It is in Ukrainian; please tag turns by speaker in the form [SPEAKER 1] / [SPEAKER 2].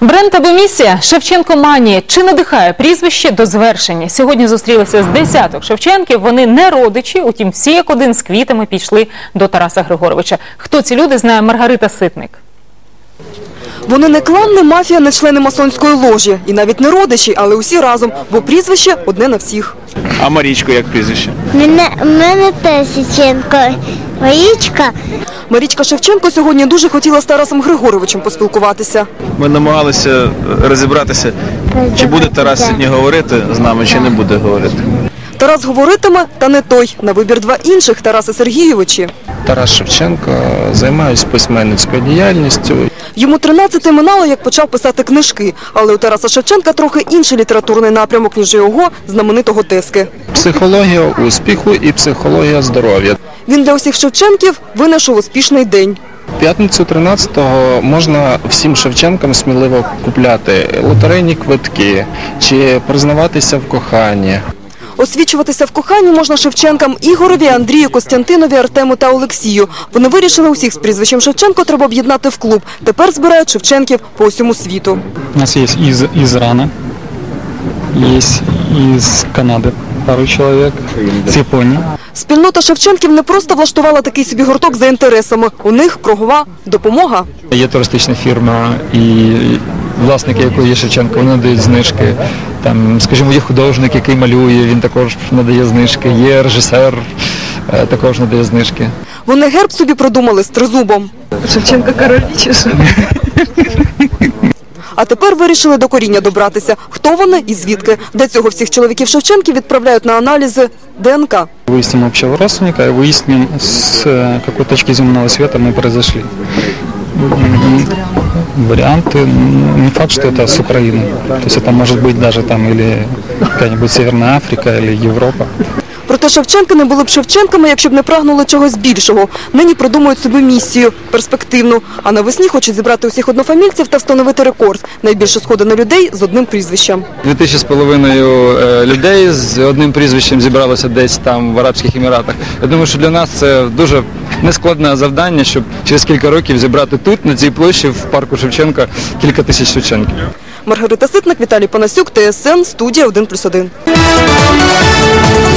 [SPEAKER 1] Бренд або місія Шевченко-манія. Чи надихає прізвище до звершення? Сьогодні зустрілися з десяток Шевченків. Вони не родичі, утім всі як один з квітами пішли до Тараса Григоровича. Хто ці люди, знає Маргарита Ситник.
[SPEAKER 2] Вони не клан, не мафія, не члени масонської ложі. І навіть не родичі, але усі разом, бо прізвище одне на всіх.
[SPEAKER 3] А Марічко як прізвище?
[SPEAKER 4] Мене теж Шевченко. Марічка.
[SPEAKER 2] Марічка Шевченко сьогодні дуже хотіла з Тарасом Григоровичем поспілкуватися.
[SPEAKER 3] Ми намагалися розібратися, чи буде Тарас сьогодні говорити з нами, чи не буде говорити.
[SPEAKER 2] Тарас говоритиме, та не той. На вибір два інших Тараси Сергійовичі.
[SPEAKER 5] Тарас Шевченко, займаюся письменницькою діяльністю.
[SPEAKER 2] Йому 13 минало, як почав писати книжки. Але у Тараса Шевченка трохи інший літературний напрямок, ніж його знаменитого Тески.
[SPEAKER 5] Психологія успіху і психологія здоров'я.
[SPEAKER 2] Він для усіх Шевченків винайшов успішний день.
[SPEAKER 5] П'ятницю 13-го можна всім Шевченкам сміливо купляти лотерейні квитки чи признаватися в коханні.
[SPEAKER 2] Освічуватися в коханні можна Шевченкам Ігорові, Андрію, Костянтинові, Артему та Олексію. Вони вирішили, усіх з прізвищем Шевченко треба об'єднати в клуб. Тепер збирають Шевченків по усьому світу.
[SPEAKER 6] У нас есть из Ирана, есть из Канады пару человек, с Японии.
[SPEAKER 2] Спільнота Шевченків не просто влаштувала такий собі гурток за інтересами. У них кругова допомога.
[SPEAKER 6] Є туристична фірма і власники якої є Шевченко, вони надають знижки. Там, скажімо, є художник, який малює, він також надає знижки. Є режисер, також надає знижки.
[SPEAKER 2] Вони герб собі придумали з тризубом.
[SPEAKER 7] Шевченко король чи що?
[SPEAKER 2] А тепер вирішили до коріння добратися. Хто вони і звідки? Для цього всіх чоловіків Шевченків відправляють на аналізи ДНК.
[SPEAKER 6] Выясним общего родственника и выясним, с какой точки земного света мы произошли. Варианты, не факт, что это с Украины. То есть это может быть даже там или какая-нибудь Северная Африка или Европа.
[SPEAKER 2] Проте Шевченки не були б Шевченками, якщо б не прагнули чогось більшого. Нині придумують собі місію – перспективну. А навесні хочуть зібрати усіх однофамільців та встановити рекорд – найбільше сходи на людей з одним прізвищем.
[SPEAKER 8] 2500 людей з одним прізвищем зібралося десь там в Арабських Еміратах. Я думаю, що для нас це дуже нескладне завдання, щоб через кілька років зібрати тут, на цій площі, в парку Шевченка, кілька тисяч Шевченків.
[SPEAKER 2] Маргарита Ситник, Віталій Панасюк, ТСН, студія 1+1.